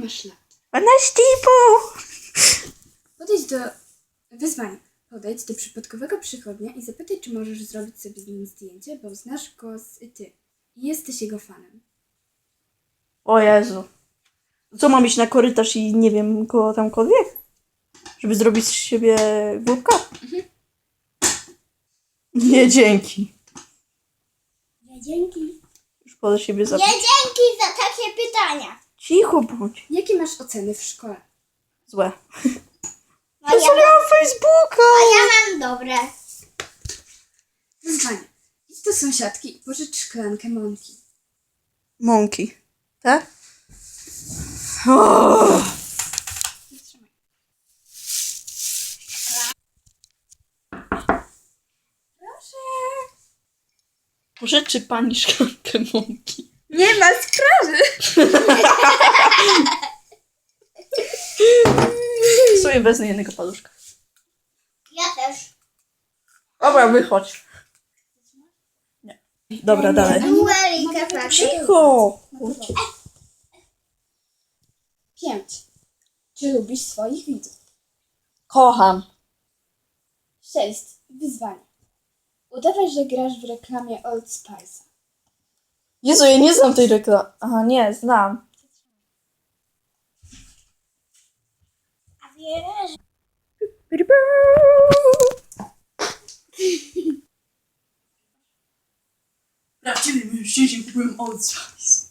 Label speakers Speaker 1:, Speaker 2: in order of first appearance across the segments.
Speaker 1: masz lat?
Speaker 2: 12,5.
Speaker 1: Podejdź do wyzwania. Podejdź do przypadkowego przychodnia i zapytaj, czy możesz zrobić sobie z nim zdjęcie, bo znasz go z ty i jesteś jego fanem.
Speaker 2: O Jezu. Co, mam iść na korytarz i nie wiem, go tamkolwiek? Żeby zrobić z siebie głupka? Nie, dzięki.
Speaker 3: Nie dzięki.
Speaker 2: Już po siebie
Speaker 3: Nie
Speaker 2: zabić.
Speaker 3: dzięki za takie pytania.
Speaker 2: Cicho bądź.
Speaker 1: Jakie masz oceny w szkole?
Speaker 2: Złe.
Speaker 3: A ja,
Speaker 2: Mam Facebooka.
Speaker 3: mam dobre.
Speaker 1: Wyzwanie. Idź do sąsiadki i pożycz szklankę mąki.
Speaker 2: Mąki. Tak? Oh.
Speaker 1: Zatrzymaj. Proszę.
Speaker 2: Pożyczy pani szklankę mąki.
Speaker 1: Nie ma sprawy.
Speaker 2: Sobie wezmę jednego paluszka.
Speaker 3: Ja też.
Speaker 2: Dobra, wychodź. Nie. Dobra, dalej.
Speaker 3: Duelika tak.
Speaker 2: Cicho.
Speaker 1: 5. Czy lubisz swoich widzów?
Speaker 2: Kocham.
Speaker 1: 6. Wyzwanie. Udawaj, że grasz w reklamie Old Spice'a.
Speaker 2: Jezu, ja nie znam tej reklamy. Aha, nie, znam.
Speaker 3: A wiesz?
Speaker 2: Prawdziwy mężczyźni kupują Old Spice.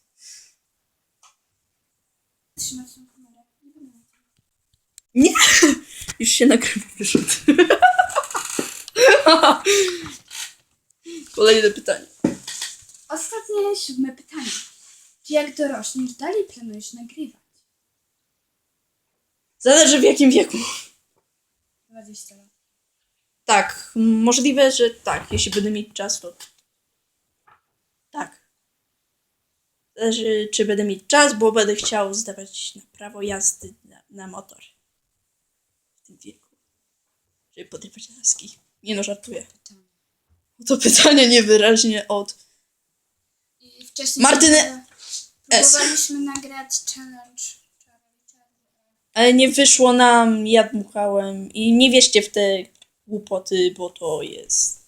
Speaker 1: Trzymać tą kamerę.
Speaker 2: Nie! Już się nagrywa wyszedł. Kolejne pytanie.
Speaker 1: Ostatnie 7 pytanie. Czy jak dorośniesz, dalej planujesz nagrywać?
Speaker 2: Zależy w jakim wieku.
Speaker 1: 20 lat.
Speaker 2: Tak, możliwe, że tak. Jeśli będę mieć czas, to tak. Zależy, czy będę mieć czas, bo będę chciał zdawać na prawo jazdy na motor. W tym wieku. Żeby podrywać laski. Nie no, żartuję. To pytanie niewyraźnie od
Speaker 1: I wcześniej
Speaker 2: Martyny S.
Speaker 1: próbowaliśmy nagrać challenge.
Speaker 2: Ale nie wyszło nam, ja dmuchałem. I nie wierzcie w te głupoty, bo to jest